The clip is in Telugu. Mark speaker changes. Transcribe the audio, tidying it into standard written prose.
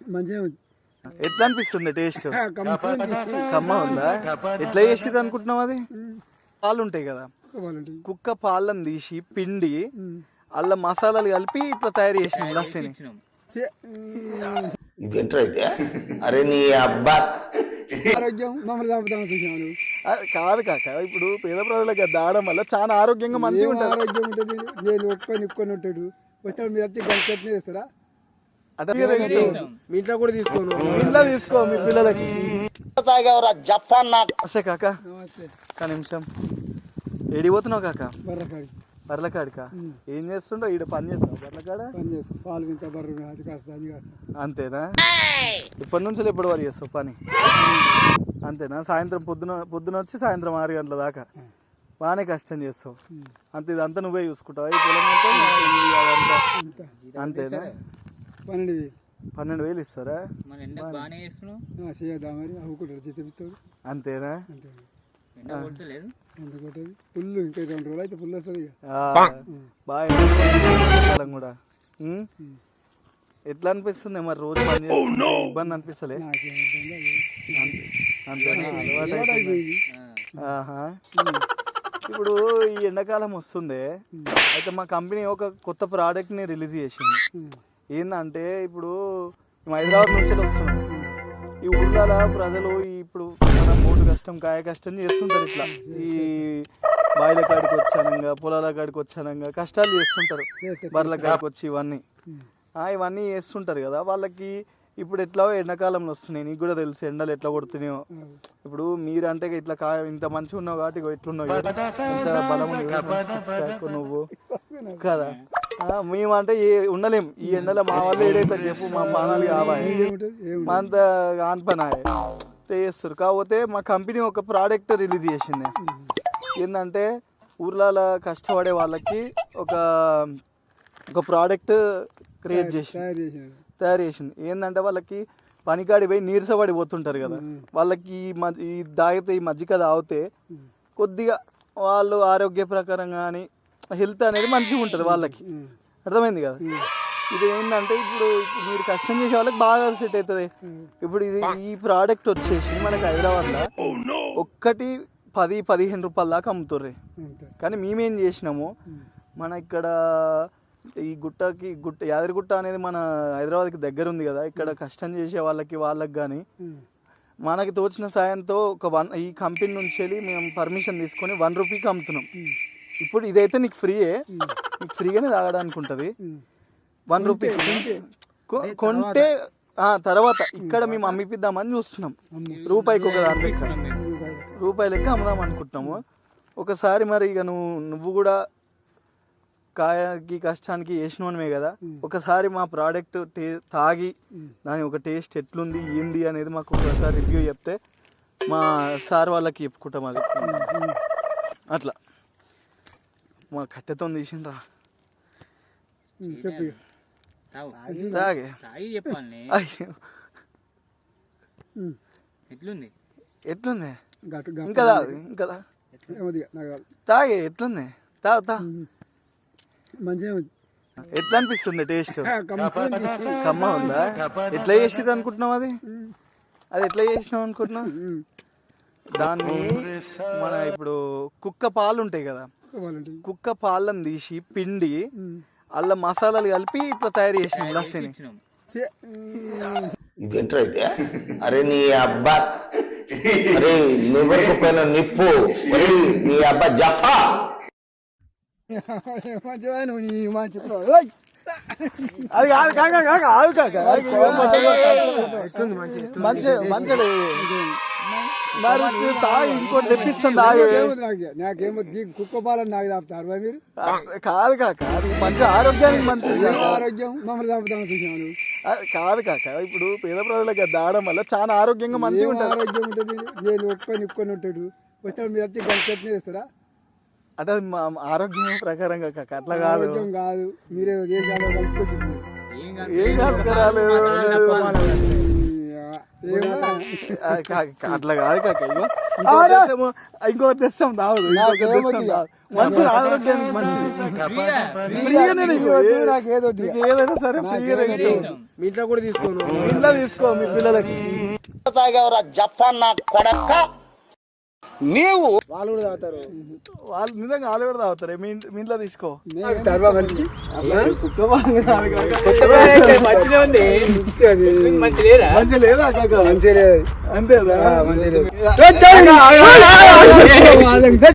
Speaker 1: మంచిగా ఉంది.
Speaker 2: ఎట్లా అనిపిస్తుంది టేస్ట్? కమ్మ ఉందా? ఎట్లా చేసిర్రు అనుకుంటున్నావు? అది పాలు ఉంటాయి కదా, కుక్క పాలను తీసి పిండి అల్ల మసాలాలు కలిపి ఇట్లా తయారు చేసిన లస్సీని.
Speaker 3: ఇదేంటైతే అరే నీ అబ్బా
Speaker 1: ఆరోగ్యం మమ్మల్ని చంపుతాను.
Speaker 2: కాదు కాక, ఇప్పుడు పేద ప్రజలకు దాడడం వల్ల చాలా ఆరోగ్యంగా మంచిగా ఉంటుంది.
Speaker 1: ఆరోగ్యం ఉంటుంది. నేను ఒక్కొని ఉంటాడు వచ్చాడు, మీరు వచ్చి గంటనే చేస్తారా?
Speaker 2: మీ ఇంట్లో కూడా తీసుకోను, మీ ఇంట్లో తీసుకో మీ పిల్లలకి. వస్తే కాక ఒక నిమిషం, ఏడిపోతున్నావు కాక?
Speaker 1: బర్రకాడి
Speaker 2: బర్లకాడికా? ఏం చేస్తుండో? ఈడ పని చేస్తావు బర్లకాడ?
Speaker 1: పని చేస్తాం, పాలు వింత బర్రు అది కాస్త అది కాస్త.
Speaker 2: అంతేనా? ఇప్పటి నుంచి ఎప్పటి వరకు చేస్తావు పని? అంతేనా? సాయంత్రం పొద్దున వచ్చి సాయంత్రం 6 గంటల దాకా బాగానే కష్టం చేస్తావు. అంతే, ఇదంతా నువ్వే చూసుకుంటావు ఈ పొలం అంతా? అంతేనా? 12,000 ఇస్తారా?
Speaker 1: చేయద్దా మరి? అవుకుంటారు జీతం.
Speaker 2: అంతేనా?
Speaker 1: పుల్లు ఇంకా 2 రోజులు అయితే పుల్లు వస్తుంది.
Speaker 2: బాగా కూడా ఎట్లా అనిపిస్తుంది మరి రోజు పని చేస్తే? ఇబ్బంది అనిపిస్తలే? అంతేనా? ఆహా. ఇప్పుడు ఈ ఎండాకాలం వస్తుంది, అయితే మా కంపెనీ ఒక కొత్త ప్రోడక్ట్ని రిలీజ్ చేసింది. ఏంటంటే ఇప్పుడు మేము హైదరాబాద్ నుంచి వస్తున్నాం. ఈ ఊళ్ళలో ప్రజలు ఇప్పుడు మన మోటు కష్టం కాయ కష్టం చేస్తుంటారు. ఇట్లా ఈ బాయిల కాడికి వచ్చానంగా, పొలాల కాడికి వచ్చానంగా కష్టాలు చేస్తుంటారు. బర్రెల కాడికి వచ్చి ఇవన్నీ చేస్తుంటారు కదా. వాళ్ళకి ఇప్పుడు ఎట్లా ఎండాకాలంలో వస్తున్నాయి, నీకు కూడా తెలుసు ఎండలు ఎట్లా కొడుతున్నాయో. ఇప్పుడు మీరంటే ఇట్లా ఇంత మంచిగా ఉన్నావు కాబట్టి ఎట్లున్నావు, ఇంత బలం నువ్వు కదా. మేమంటే ఉండలేం ఈ ఎండలో. మా వాళ్ళు ఏడైతే చెప్పు, మా పానాలు కావాలి, మా అంత ఆన్పనాయ చేస్తారు. కాకపోతే మా కంపెనీ ఒక ప్రోడక్ట్ రిలీజ్ చేసింది. ఏంటంటే ఊర్లలో కష్టపడే వాళ్ళకి ఒక ప్రోడక్ట్ క్రియేట్ తయారు చేసింది. ఏంటంటే వాళ్ళకి పనికాడి పోయి నీరసపడిపోతుంటారు కదా, వాళ్ళకి ఈ తాగితే ఈ మజ్జిగ తాగితే కొద్దిగా వాళ్ళు ఆరోగ్య ప్రకారంగా కానీ హెల్త్ అనేది మంచిగా ఉంటుంది వాళ్ళకి. అర్థమైంది కదా? ఇది ఏంటంటే ఇప్పుడు మీరు కష్టం చేసే వాళ్ళకి బాగా సెట్ అవుతుంది. ఇప్పుడు ఈ ప్రోడక్ట్ వచ్చేసి మనకి హైదరాబాద్లో ఒక్కటి 10-15 రూపాయల దాకా అమ్ముతుర్రే. కానీ మేమేం చేసినాము, మన ఇక్కడ ఈ యాదగిరిగుట్ట అనేది మన హైదరాబాద్కి దగ్గర ఉంది కదా, ఇక్కడ కష్టం చేసే వాళ్ళకి కానీ మనకి తోచిన సాయంతో ఈ కంపెనీ నుంచి వెళ్ళి మేము పర్మిషన్ తీసుకొని 1 రూపీకి అమ్ముతున్నాం. ఇప్పుడు ఇదైతే నీకు ఫ్రీగానే తాగడానికి ఉంటుంది. 1 రూపీ కొంటే తర్వాత ఇక్కడ మేము అమ్మిపిద్దామని చూస్తున్నాం. రూపాయికి ఒక దాని లెక్క, రూపాయి లెక్క అమ్ముదాం అనుకుంటున్నాము. ఒకసారి మరి ఇక నువ్వు కూడా కాయకి కష్టానికి వేసినవే కదా, ఒకసారి మా ప్రోడక్ట్ తాగి దాని ఒక టేస్ట్ ఎట్లుంది ఏంది అనేది మాకు ఒకసారి రివ్యూ చెప్తే మా సార్ వాళ్ళకి చెప్పుకుంటాం. అది అట్లా మా కట్టెతో తీసిండ్రా.
Speaker 1: చెప్పు
Speaker 2: తాగే ఎట్లుంది ఇంకా తాగే ఎట్లుంది తా
Speaker 1: మంచిగా ఉంది.
Speaker 2: ఎట్లా అనిపిస్తుంది టేస్ట్? కమ్మ ఉందా? ఎట్లా చేసిర్రు అనుకుంటున్నావు? అది ఎట్లా చేసినావు అనుకుంటున్నావు? దాన్ని మన ఇప్పుడు కుక్క పాలు ఉంటాయి కదా, కుక్క పాలను తీసి పిండి అల్ల మసాలాలు కలిపి ఇట్లా తయారు చేసిన లస్సీని.
Speaker 3: ఇదేంటైతే అరే నీ అబ్బా అరే నువ్వు పైన నిప్పు నీ అబ్బా జఫా
Speaker 2: అది మంచి ఇంకోటి తెప్పిస్తుంది.
Speaker 1: నాకేమో కుక్క పాలని నాకు తాపుతారు మీరు?
Speaker 2: కాదు కాక, అది మంచి ఆరోగ్యానికి మంచిది.
Speaker 1: ఆరోగ్యం మమ్మల్ని చంపుతాను.
Speaker 2: కాదు కాక, ఇప్పుడు పేద ప్రజలకు దాడడం వల్ల చాలా ఆరోగ్యంగా మంచిగా ఉంటుంది.
Speaker 1: ఆరోగ్యం ఉంటుంది. నేను ఒక్కొని ఉంటాడు వచ్చాడు, మీరు వచ్చి గంటనే చేస్తారా?
Speaker 2: అంటే మా ఆరోగ్యం ప్రకారంగా కాక, అట్లా కాదు.
Speaker 1: కాదు, మీరే ఏ కాలం కలుపుకొచ్చింది.
Speaker 2: ఏం కలుపుకరాలేదు. అట్లా కాదు కాక ఇగో ఇంకొకటి తెస్తాం తాగదు మంచిది ఆరోగ్యానికి మంచిది ఫ్రీగానే నీకు ఏదైనా సరే ఫ్రీగానే
Speaker 4: మీ ఇంట్లో కూడా తీసుకోను
Speaker 2: ఇంట్లో తీసుకో మీ పిల్లలకి
Speaker 5: తాగేవరా జఫాన్ నా కొడక నీవు
Speaker 4: వాళ్ళు కూడా తాగుతారు
Speaker 2: వాళ్ళు నిజంగా వాళ్ళు కూడా తాగుతారు మీ ఇంట్లో తీసుకో మంచి లేదా అంతేదా